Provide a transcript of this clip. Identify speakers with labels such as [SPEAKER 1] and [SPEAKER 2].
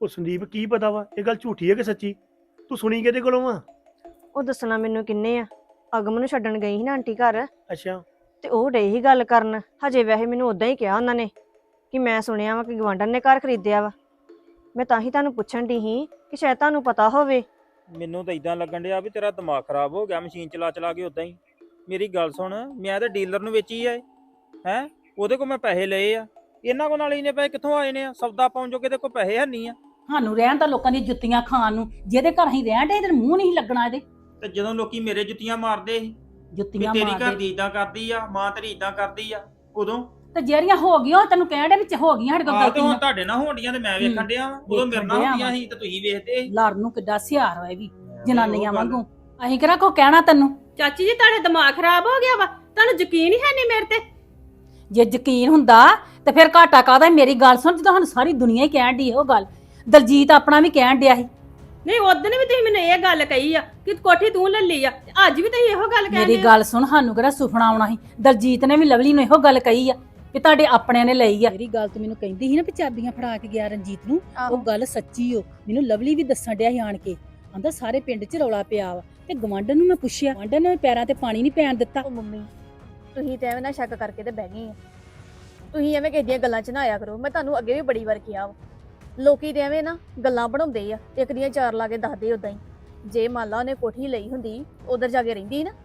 [SPEAKER 1] ਉਹ ਸੰਦੀਪ ਕੀ ਪਤਾ ਵਾ ਇਹ ਗੱਲ ਝੂਠੀ ਹੈ ਕਿ ਸੱਚੀ? ਤੂੰ ਸੁਣੀ ਕਿਹਦੇ ਕੋਲੋਂ ਆ?
[SPEAKER 2] ਉਹ ਦੱਸਣਾ ਮੈਨੂੰ ਕਿੰਨੇ ਆ। ਅਗਮ ਨੂੰ ਛੱਡਣ ਗਈ ਸੀ ਨਾ ਆਂਟੀ ਘਰ,
[SPEAKER 1] ਅੱਛਾ।
[SPEAKER 2] ਤੇ ਉਹ ਡੇ ਹੀ ਗੱਲ ਕਰਨ। ਹਜੇ ਵੈਸੇ ਮੈਨੂੰ ਉਦਾਂ ਹੀ ਕਿਹਾ ਉਹਨਾਂ ਨੇ ਕਿ ਮੈਂ ਸੁਣਿਆ ਵਾ ਕਿ ਗਵਾਂਢਣ ਨੇ ਘਰ ਖਰੀਦਿਆ ਵਾ। ਮੈਂ ਤਾਂ ਹੀ ਤੁਹਾਨੂੰ ਪੁੱਛਣ ਦੀ ਸੀ ਕਿ ਸ਼ਾਇਦ ਤੁਹਾਨੂੰ ਪਤਾ ਹੋਵੇ।
[SPEAKER 3] ਮੈਨੂੰ ਤਾਂ ਇਦਾਂ ਲੱਗਣ ਡਿਆ ਵੀ ਤੇਰਾ ਦਿਮਾਗ ਖਰਾਬ ਹੋ ਗਿਆ ਮਸ਼ੀਨ ਚਲਾ ਚਲਾ ਕੇ ਉਦਾਂ ਹੀ। ਮੇਰੀ ਗੱਲ ਸੁਣ, ਮੈਂ ਤਾਂ ਡੀਲਰ ਨੂੰ ਵੇਚੀ ਆ ਹੈ, ਉਹਦੇ ਕੋਲ ਮੈਂ ਪੈਸੇ ਲਏ ਆ। ਇਹਨਾਂ ਕੋਲ ਨਾਲ ਇਹਨੇ ਪੈਸੇ ਕਿੱਥੋਂ ਆਏ ਨੇ ਆ? ਸੌਦਾ ਪਾਉਣ ਜੋਗੇ ਤੇ ਕੋਈ ਪੈਸੇ ਹੈ ਨਹੀਂ ਆ।
[SPEAKER 4] ਸਾਨੂੰ ਰਹਿਣ ਤਾਂ ਲੋਕਾਂ ਦੀ ਜੁੱਤੀਆਂ ਖਾਣ ਨੂੰ, ਜਿਹਦੇ ਘਰ ਅਸੀਂ ਰਹਿਣ ਡੇ ਇਹਦੇ ਮੂੰਹ ਨਹੀਂ ਲੱਗਣਾ ਇਹਦੇ।
[SPEAKER 3] ਤੇ ਜਦੋਂ ਲੋਕੀ ਮੇਰੇ ਜੁੱਤੀਆਂ ਮਾਰਦੇ ਸੀ ਵੀ
[SPEAKER 4] ਜੁੱਤੀਆਂ
[SPEAKER 3] ਤੇਰੀ ਘਰ
[SPEAKER 4] ਮਾਰਦੇ
[SPEAKER 3] ਦੀ ਇਦਾਂ ਕਰਦੀ ਆ, ਮਾਂ ਤੇਰੀ ਇਦਾਂ ਕਰਦੀ ਆ, ਉਦੋਂ
[SPEAKER 4] ਤੇ ਜਿਹੜੀਆਂ ਹੋ ਗਈਆਂ ਉਹ ਤੈਨੂੰ ਕਹਿਣ ਡੇ ਵਿੱਚ ਹੋ ਗਈਆਂ ਸਾਡੇ ਕੋਲ
[SPEAKER 3] ਆਹ ਤੇ ਹੁਣ
[SPEAKER 4] ਗਲਤੀਆਂ।
[SPEAKER 3] ਤੁਹਾਡੇ ਨਾਲ ਹੋਣਡੀਆਂ ਤੇ ਮੈਂ ਵੇਖਣ ਡਿਆ ਵਾਂ। ਉਦੋਂ ਮੇਰੇ ਨਾਲ
[SPEAKER 4] ਵੇਖਣ ਡਿਆ
[SPEAKER 3] ਹੁੰਦੀਆਂ
[SPEAKER 4] ਵਾਂ।
[SPEAKER 3] ਸੀ ਤੇ ਤੁਸੀਂ ਵੇਖਦੇ ਸੀ।
[SPEAKER 4] ਲੜਨ ਨੂੰ ਕਿੱਡਾ ਸਿਆਰ ਹੋਏ ਵੀ ਜਨਾਨੀਆਂ
[SPEAKER 3] ਉਹ ਗੱਲ।
[SPEAKER 4] ਵਾਂਗੂ। ਅਸੀਂ ਕਿਹੜਾ ਕੋ ਕਹਿਣਾ ਤੈਨੂੰ?
[SPEAKER 5] ਚਾਚੀ ਜੀ ਤੁਹਾਡੇ ਦਿਮਾਗ ਖਰਾਬ ਹੋ ਗਿਆ ਵਾ, ਤੁਹਾਨੂੰ ਯਕੀਨ ਹੀ ਹੈ ਨਹੀਂ ਮੇਰੇ ਤੇ।
[SPEAKER 4] ਜੇ ਯਕੀਨ ਹੁੰਦਾ ਤੇ ਫਿਰ ਘਾਟਾ ਕਾਹਦਾ? ਮੇਰੀ ਗੱਲ ਸੁਣ, ਜਦੋਂ ਸਾਨੂੰ ਸਾਰੀ ਦੁਨੀਆ ਹੀ ਕਹਿਣ ਡਈ ਉਹ ਗੱਲ। ਦਲਜੀਤ ਆਪਣਾ ਵੀ ਕਹਿਣ ਡਿਆ ਸੀ।
[SPEAKER 5] ਨਹੀਂ ਉਦੋਂ ਵੀ ਤੁਸੀਂ ਮੈਨੂੰ ਇਹ ਗੱਲ ਕਹੀ ਆ ਕਿ ਕੋਠੀ ਤੂੰ ਲੈ ਲਈ ਆ, ਤੇ ਅੱਜ ਵੀ ਤੁਸੀਂ ਇਹੋ ਗੱਲ ਕਹਿੰਦੇ
[SPEAKER 4] ਮੇਰੀ ਗੱਲ ਸੁਣ, ਸਾਨੂੰ ਕਿਹੜਾ ਸੁਪਨਾ ਆਉਣਾ ਸੀ? ਦਲਜੀਤ ਨੇ ਵੀ ਲਵਲੀ ਨੂੰ ਇਹੋ ਗੱਲ ਕਹੀ ਆ ਕਿ ਤੁਹਾਡੇ ਆਪਣਿਆਂ ਨੇ ਲਈ ਆ। ਮੇਰੀ ਗੱਲ ਤੂੰ ਮੈਨੂੰ ਕਹਿੰਦੀ ਸੀ ਨਾ ਵੀ ਚਾਬੀਆਂ ਫੜਾ ਕੇ ਗਿਆ ਰਣਜੀਤ ਨੂੰ, ਉਹ ਗੱਲ ਸੱਚੀ ਓ। ਮੈਨੂੰ ਲਵਲੀ ਵੀ ਦੱਸਣ ਡਿਆ ਸੀ ਆਣ ਕੇ, ਆਂਦਾ ਸਾਰੇ ਪਿੰਡ 'ਚ ਰੌਲਾ ਪਿਆ ਵਾ। ਤੇ ਗਵਾਂਢਣ ਨੂੰ ਮੈਂ ਪੁੱਛਿਆ, ਗਵਾਂਢਣ ਨੇ ਪੈਰਾਂ ਤੇ ਪਾਣੀ ਨਹੀਂ ਪੈਣ ਦਿੱਤਾ।
[SPEAKER 2] ਉਹ ਮੰਮੀ, ਤੁਸੀਂ ਤੇ ਐਵੇਂ ਨਾ ਸ਼ੱਕ ਕਰਕੇ ਤੇ ਬਹਿ ਗਏ ਆ। ਤੁਸੀਂ ਐਵੇਂ ਕਿਸੇ ਦੀਆਂ ਗੱਲਾਂ 'ਚ ਨਾ ਆਇਆ ਕਰੋ। ਮੈਂ ਤੁਹਾਨੂੰ ਅੱਗੇ ਵੀ ਬੜੀ ਵਾਰ ਕਿਹਾ ਵਾ, ਲੋਕੀ ਤੇ ਐਵੇਂ ਨਾ ਗੱਲਾਂ ਬਣਾਉਂਦੇ ਆ, ਇੱਕ ਦੀਆਂ ਚਾਰ ਲਾ ਕੇ ਦੱਸਦੇ ਉਦਾਂ ਹੀ। ਜੇ ਮੰਨ ਲਾ ਉਹਨੇ ਕੋਠੀ ਲਈ ਹੁੰਦੀ, ਉਧਰ ਜਾ ਕੇ ਰਹਿੰਦੀ ਨਾ,